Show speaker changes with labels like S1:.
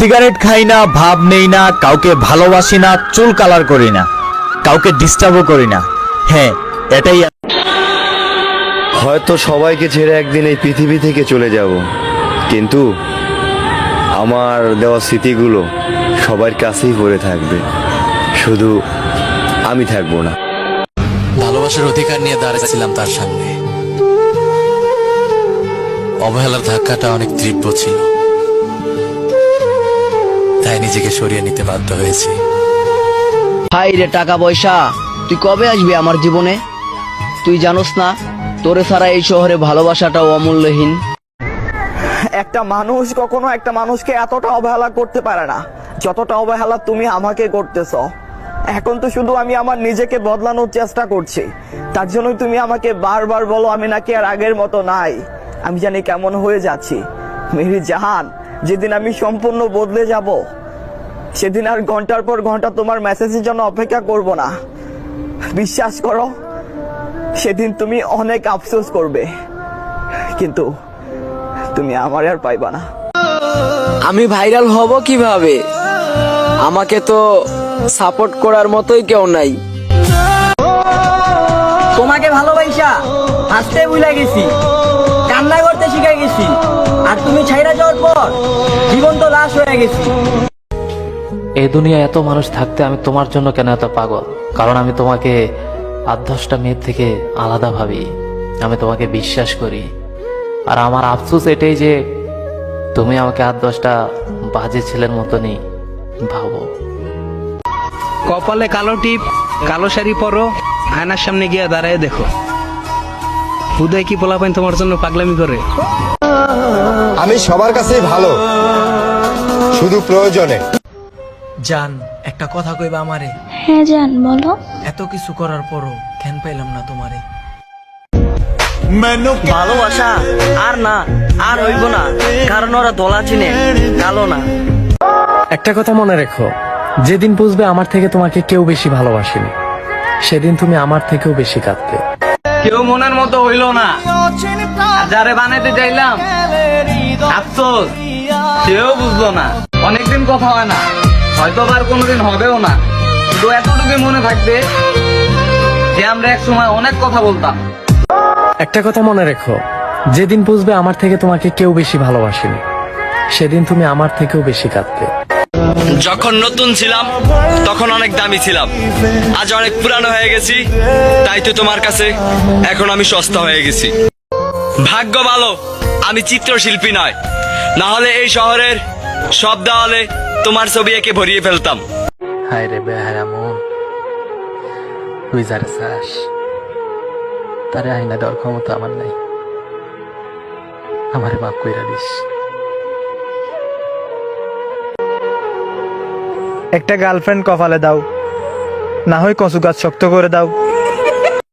S1: Cigarette খাই না, ভাব নেই না, কাউকে ভালোবাসি না, চুল কালার করি না, কাউকে ডিস্টার্বও করি না। হ্যাঁ, এটাই।
S2: হয়তো সবাইকে ছেড়ে একদিন এই পৃথিবী থেকে চলে যাব, কিন্তু আমার দেওয়া স্মৃতিগুলো সবার কাছেই পড়ে থাকবে, শুধু আমি থাকবো না।
S3: ভালোবাসার অধিকার নিয়ে দাঁড়িয়েছিলাম তার সামনে। অবহেলার ধাক্কাটা অনেক তীব্র ছিল, তাই নিজেকে সরিয়ে নিতে বাধ্য হয়েছি।
S4: হাই রে টাকা পয়সা, তুই কবে আসবি আমার জীবনে? তুই জানোস না তোরে ছাড়া এই শহরে ভালোবাসাটাও অমূল্যহীন।
S5: একটা মানুষ কখনো একটা মানুষকে এতটা অবহেলা করতে পারে না যতটা অবহেলা তুমি আমাকে করতেছ। এখন তো শুধু আমি আমার নিজেকে বদলানোর চেষ্টা করছি, তার জন্য তুমি আমাকে বারবার বলো আমি নাকি আর আগের মতো নাই। আমি জানি কেমন হয়ে যাচ্ছি মেরি জাহান। যেদিন আমি সম্পূর্ণ বদলে যাব সেদিন আর ঘন্টার পর ঘন্টা তোমার মেসেজের জন্য অপেক্ষা করব না। বিশ্বাস করো, সেদিন তুমি অনেক আফসোস করবে, কিন্তু তুমি আমার আর পাইবা না।
S4: আমি ভাইরাল হব কিভাবে? আমাকে তো সাপোর্ট করার মতোই কেউ নাই। তোমাকে ভালোবাসা হাসতে ভুলে গেছি, কান্না করতে শিখে গেছি, আর তুমি ছাইরা যাওয়ার পর জীবন তো লাশ হয়ে গেছি।
S6: এই দুনিয়ায় এত মানুষ থাকতে আমি তোমার জন্য কেন এত পাগল? কারণ আমি তোমাকে 8-10টা মেয়ের থেকে আলাদা ভাবি, আমি তোমাকে বিশ্বাস করি। আর আমার আফসোস এটাই যে তুমি আমাকে 8-10টা বাজে ছেলের মতনই ভাবো।
S7: কপালে কালো টিপ, কালো শাড়ি পরো, আয়নার সামনে গিয়ে দাঁড়ায় দেখো উদয় কি পোলাপাইন তোমার জন্য পাগলামি করে।
S8: আমি সবার কাছেই ভালো, শুধু প্রয়োজনে।
S9: জান, একটা কথা কইবা আমারে?
S10: হ্যাঁ জান, বলো।
S9: এত কিছু করার পরও কেন পাইলাম না তোমারে?
S4: ভালোবাসা আর না, আর হইব না, কারণ ওরা দোলা চিনে, কালো না।
S6: একটা কথা মনে রেখো, যেদিন বুঝবে আমার থেকে তোমাকে কেউ বেশি ভালোবাসেনি, সেদিন তুমি আমার থেকেও বেশি কাঁদবে।
S7: কেউ মনের মতো হইলো না, আর যারে বানাইতে চাইলাম আফসোস সেও বুঝলো না। অনেকদিন কথা হয় না, হয়তো আর কোনোদিন হবেও না, তো এতটুকু মনে থাকবে যে আমরা এক সময় অনেক কথা বলতাম।
S6: একটা কথা মনে রেখো, যেদিন বুঝবে আমার থেকে তোমাকে কেউ বেশি ভালোবাসেনি, সেদিন তুমি আমার থেকেও বেশি কাঁদবে।
S3: যখন নতুন ছিলাম তখন অনেক দামি ছিলাম, আজ অনেক পুরানো হয়ে গেছি, তাই তো তোমার কাছে এখন আমি সস্তা হয়ে গেছি। ভাগ্য ভালো আমি চিত্রশিল্পী নয়, না হলে এই শহরের সব দেওয়ালে তোমার ছবি এঁকে ভরিয়ে ফেলতাম।
S6: হায় রে বেহায়া মন, তুই যারে চাস তারে আইনা দেওয়ার ক্ষমতা আমার নাই, আমারে মাফ কইরা দিস।
S5: একটা গার্লফ্রেন্ড কপালে দাও, না হয় কচু গাছ শক্ত করে দাও।